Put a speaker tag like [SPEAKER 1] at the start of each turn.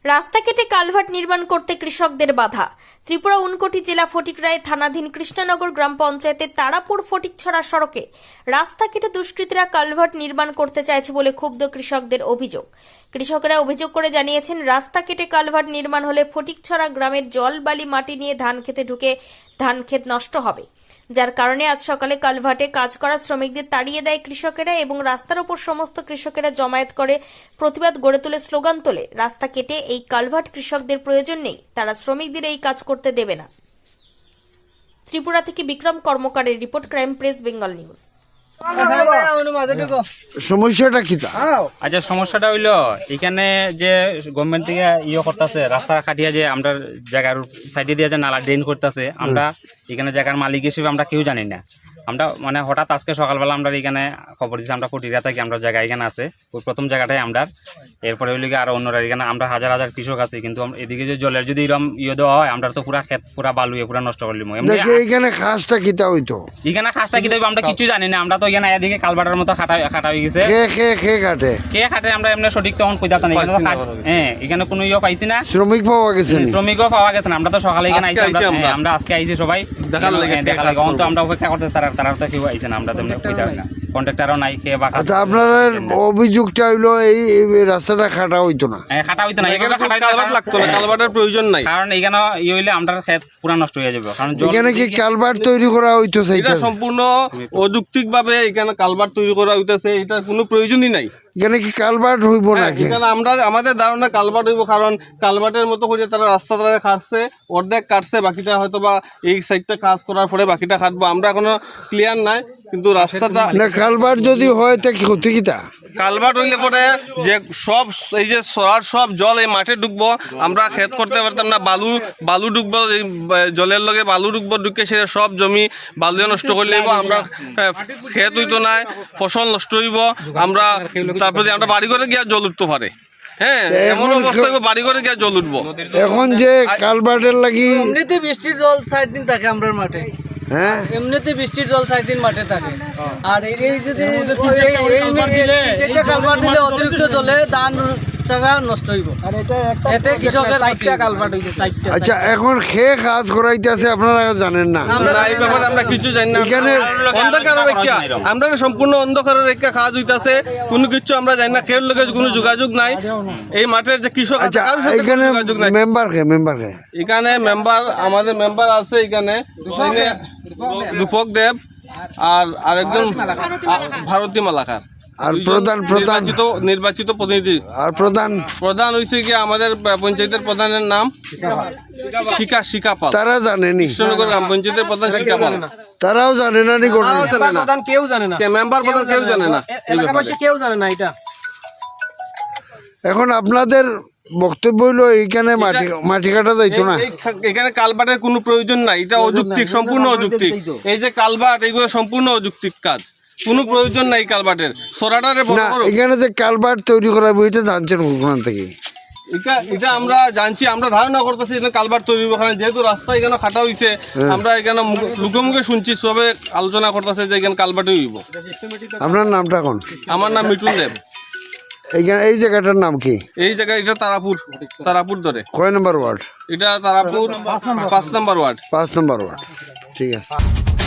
[SPEAKER 1] রাস্তা কেটে কালভার্ট নির্মাণ করতে কৃষকদের বাধা। ত্রিপুরা উনকোটি জেলা ফটিকরায় থানাধীন কৃষ্ণনগর গ্রাম পঞ্চায়েতের তারাপুর ফটিকছড়া সড়কে রাস্তা কেটে দুষ্কৃতীরা কালভার্ট নির্মাণ করতে চাইছে বলে ক্ষুব্ধ কৃষকদের অভিযোগ। কৃষকেরা অভিযোগ করে জানিয়েছেন, রাস্তা কেটে কালভার্ট নির্মাণ হলে ফটিকছড়া গ্রামের জল বালি মাটি নিয়ে ধান খেতে ঢুকে ধান ক্ষেত নষ্ট হবে, যার কারণে আজ সকালে কালভার্টে কাজ করা শ্রমিকদের তাড়িয়ে দেয় কৃষকেরা এবং রাস্তার ওপর সমস্ত কৃষকেরা জমায়েত করে প্রতিবাদ গড়ে তুলে স্লোগান তোলে, রাস্তা কেটে এই কালভার্ট কৃষকদের প্রয়োজন নেই, তারা শ্রমিকদের এই কাজ করতে দেবে না। ত্রিপুরা থেকে বিক্রম কর্মকারের report, crime press Bengal news.
[SPEAKER 2] সমস্যাটা কি?
[SPEAKER 3] আচ্ছা, সমস্যাটা হইলো এখানে যে গভর্নমেন্ট থেকে করতেছে রাস্তা কাটিয়ে যে আমরা জায়গার সাইডে দিয়ে যে নালা ড্রেন করতেছে, আমরা এখানে জায়গার মালিক হিসেবে আমরা কেউ জানি না। আমরা মানে হঠাৎ আজকে সকালবেলা আমরা এখানে খবর দিচ্ছি, আমরা ফটিকরা থাকি, আমরা জায়গা এখানে আছে, ওই প্রথম জায়গাটাই আমরা। এরপরে হইলে আরো অন্যরা এখানে আমরা হাজার হাজার কৃষক আছে, কিন্তু এদিকে যে জলের যদি এরকম দেওয়া হয়, আমরা তো পুরা ক্ষেত পুরা বালু পুরা নষ্ট করলি।
[SPEAKER 2] এখানে খাসটা কিতা হইতো?
[SPEAKER 3] এখানে খাসটা কি দেবো আমরা কিছু জানি না। আমরা তো এখানে এদিকে কালবাটার মতো খাটা হয়ে গেছে। কে খাটে আমরা এমনি সঠিক তখন কইতাম না। এখানে হ্যাঁ, এখানে কোনো পাইছি না।
[SPEAKER 2] শ্রমিক পাওয়া গেছে?
[SPEAKER 3] শ্রমিকও পাওয়া গেছে না। আমরা তো সকালে এখানে আইছি, আমরা আজকে আইছি সবাই দেখার লাগে। তো আমরা অপেক্ষা করতেছি, তারা তো কেউ আইছে না। আমরা তো কইতাম না, কন্ট্রাক্টরও নাই। কে বা
[SPEAKER 2] আচ্ছা, আপনার অভিযোগটা হইলো এই রাস্তাটা খাটা হইতো না?
[SPEAKER 3] হ্যাঁ, খাটা হইতো না। এখানে
[SPEAKER 4] কালভার্ট লাগতো না, কালভার্টের প্রয়োজন নাই।
[SPEAKER 3] কারণ এখানে হইলে আমরা ক্ষেত পুরা নষ্ট হয়ে যাবে। কারণ
[SPEAKER 2] এখানে কি কালভার্ট তৈরি করা হইতো?
[SPEAKER 4] এটা সম্পূর্ণ অযৌক্তিকভাবে এখানে কালভার্ট তৈরি করা হইতেছে, এটা কোনো প্রয়োজনই নাই।
[SPEAKER 2] এখানে কি কালভার্ট হইব নাকি?
[SPEAKER 4] এখানে আমাদের ধারণা কালভার্ট হইব, কারণ কালভার্টের মতো করে তারা রাস্তা তারা কাটছে, অর্ধেক কাটছে, বাকিটা হয়তো বা এই সাইডটা কাজ করার পরে বাকিটা কাটবো। আমরা এখনো ক্লিয়ার নাই, কিন্তু রাস্তাটা
[SPEAKER 2] কালভার্ট যদি হয় তা কি ক্ষতি কিতা?
[SPEAKER 4] কালভার্ট হইলে পরে যে সব এই যে সরার সব জল এই মাঠে ঢুকবো, আমরা ক্ষেত করতে পারতাম না। বালু ঢুকবো, এই জলের লগে বালু ঢুকবো, ঢুকে সে সব জমি বালু নষ্ট করে নিব। আমরা ক্ষেত হইতো না, ফসল নষ্ট হইব। আমরা তারপরে আমরা বাড়ি করে গিয়ে জল উঠতে পারে। হ্যাঁ, এমন অবস্থা হইব বাড়ি করে গিয়ে জল উঠবো।
[SPEAKER 2] এখন যে কালভার্টের লাগি
[SPEAKER 5] এমনিতে বৃষ্টির জল 4 দিন থাকে আমরা মাঠে।
[SPEAKER 2] হ্যাঁ,
[SPEAKER 5] এমনিতে বৃষ্টির জল 4 দিন মাঠে থাকে। আর এই যদি কালভার্ট দিলে অতিরিক্ত জলে ধান জায়গা নষ্ট হইব। এতে কৃষকের কালভার্ট হইছে 4টা।
[SPEAKER 2] আচ্ছা, এখন কাজ করাইতেছে, আপনারা জানেন না?
[SPEAKER 4] এই ব্যাপারে আমরা কিছু জানি না।
[SPEAKER 2] এখানে
[SPEAKER 4] অন্ধকারের রেখা, আমরা সম্পূর্ণ অন্ধকারের রেখা কাজ হইতাছে, কোনো কিছু আমরা জানি না। খের লোকের কোনো যোগাযোগ নাই এই মাঠের যে কৃষক আছে, কারোর সাথে কোনো যোগাযোগ নাই।
[SPEAKER 2] মেম্বার
[SPEAKER 4] এখানে মেম্বার আমাদের মেম্বার আছে এখানে রূপক দেব আর আরেকজন ভারতী মালাকার,
[SPEAKER 2] আর
[SPEAKER 4] নির্বাচিত প্রতিনিধি।
[SPEAKER 2] আর
[SPEAKER 4] প্রধান হয়েছে কি আমাদের পঞ্চায়েতের প্রধানের নাম শিকা পাল।
[SPEAKER 2] তারা জানেনি?
[SPEAKER 4] কৃষ্ণনগর গ্রাম পঞ্চায়েতের প্রধান শিকা পাল।
[SPEAKER 2] তারাও জানে না?
[SPEAKER 5] কেউ জানে না,
[SPEAKER 4] মেম্বার প্রধান কেউ জানে না,
[SPEAKER 5] এলাকাবাসী কেউ জানে না এটা।
[SPEAKER 2] এখন আপনাদের বক্তব্য হইলো এইখানে মাটি কাটা যাইতো না?
[SPEAKER 4] এখানে কালভার্টের কোনো প্রয়োজন নাই, এটা অযৌক্তিক, সম্পূর্ণ অযৌক্তিক। এই যে কালভার্ট, এগুলো সম্পূর্ণ অযৌক্তিক কাজ, কোনো প্রয়োজন নাই কালভার্টের। সরাটারে
[SPEAKER 2] না, এখানে যে কালভার্ট তৈরি করা এটা জানছেন ওখান থেকে?
[SPEAKER 4] এটা আমরা জানছি, আমরা ধারণা করতেছি এখানে কালভার্ট তৈরি হবে। যেহেতু রাস্তা এখানে খাটা হয়েছে, আমরা এখানে মুখে মুখে শুনছি, সবে আলোচনা করতেছে যে এখানে কালভার্টই হইব।
[SPEAKER 2] আপনার নামটা কোন?
[SPEAKER 4] আমার নাম মিঠুন দেব।
[SPEAKER 2] এই জায়গাটার নাম কি?
[SPEAKER 4] এই জায়গা এটা তারাপুর ধরে।
[SPEAKER 2] কয় নম্বর ওয়ার্ড
[SPEAKER 4] এটা Tarapur 5 number ward.
[SPEAKER 2] 5 number ward, ঠিক আছে।